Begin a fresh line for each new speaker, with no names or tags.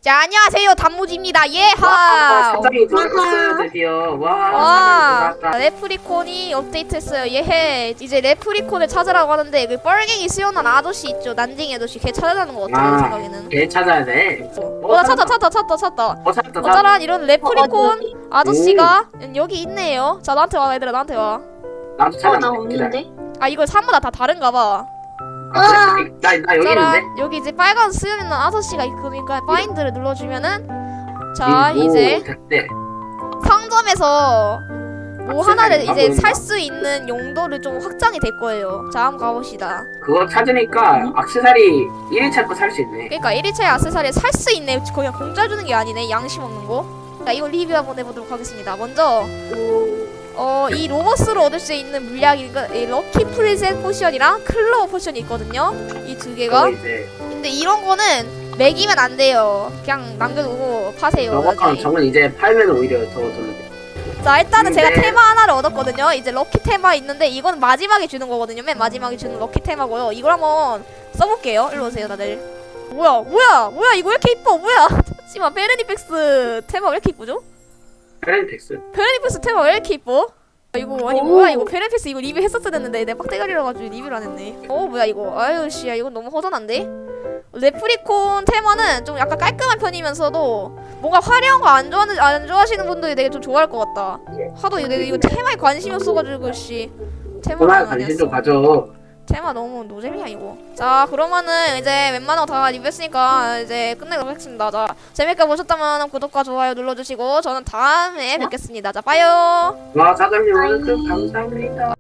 자, 안녕하세요. 단무지입니다. 예하.
사장이 돌아왔어요 드디어.
와,
사장이 돌아왔다.
레프리콘이 업데이트했어요. 예해. 이제 레프리콘을 찾으라고 하는데 그 뻘갱이 수연한 아저씨 있죠. 난징이 아저씨. 걔 찾아가는 거 같아. 내 생각에는.
걔 찾아야 돼.
나 찾았다.
찾았다.
짜란 이런 레프리콘
어디?
아저씨가 여기 있네요. 자, 나한테 와 얘들아. 나한테 와.
나도
나
찾았는데.
없는데?
아, 이거 사무다 다 다른가 봐.
나 여기 있는데.
짜란 여기 이제 빨간 수염 있는 아저씨가 있으니까 파인드를 눌러주면은 자 이제
됐대.
상점에서 뭐 하나를
악세사리인가?
이제
뭔가?
살 수 있는 용도를 좀 확장이 될 거예요. 자, 한번 가봅시다.
그거 찾으니까 액세서리 1일차 거 살 수 있네.
그러니까 1일차의 악세사리 살 수 있네. 그냥 공짜 주는 게 아니네. 양심 없는 거. 자, 이거 리뷰 한번 해보도록 하겠습니다. 먼저 이 로버스로 얻을 수 있는 물약이 이 럭키 프리셋 포션이랑 클로우 포션이 있거든요. 이 두 개가.
그거 이제
근데 이런 거는 매기면 안 돼요. 그냥 남겨두고 파세요.
저거는
나중에.
저건 이제 팔면 오히려 더 돌려돼.
자, 일단은 제가
근데-
테마 하나를 얻었거든요. 이제 럭키 테마 있는데 이건 마지막에 주는 거거든요. 맨 마지막에 주는 럭키 테마고요. 이걸 한번 써볼게요. 일로 오세요, 다들. 뭐야 이거 왜 이렇게 이뻐? 뭐야? 잠시만, 베르니펙스 테마 왜 이렇게 이쁘죠?
페렌텍스.
베르니펙스 테마 왜 이렇게 이뻐? 이거 아니 뭐야 이거 베르니펙스 이거 리뷰 했었어야 됐는데 내가 빡대가리라 가지고 리뷰를 안 했네. 뭐야 이거? 아유 씨야, 이건 너무 허전한데? 레프리콘 테마는 좀 약간 깔끔한 편이면서도 뭔가 화려한 거 안 좋아하시는 분들이 되게 좀 좋아할 것 같다. 하도 이거 테마에 관심이 없어가지고 씨 테마를
그만
안
관심 좀
했어.
가져.
테마 너무 노잼이야 이거. 자, 그러면은 이제 웬만한 거 다 리뷰했으니까 이제 끝내도록 하겠습니다. 자, 재밌게 보셨다면 구독과 좋아요 눌러주시고 저는 다음에 뵙겠습니다. 자, 빠이요.
와 사장님 오늘 감사합니다.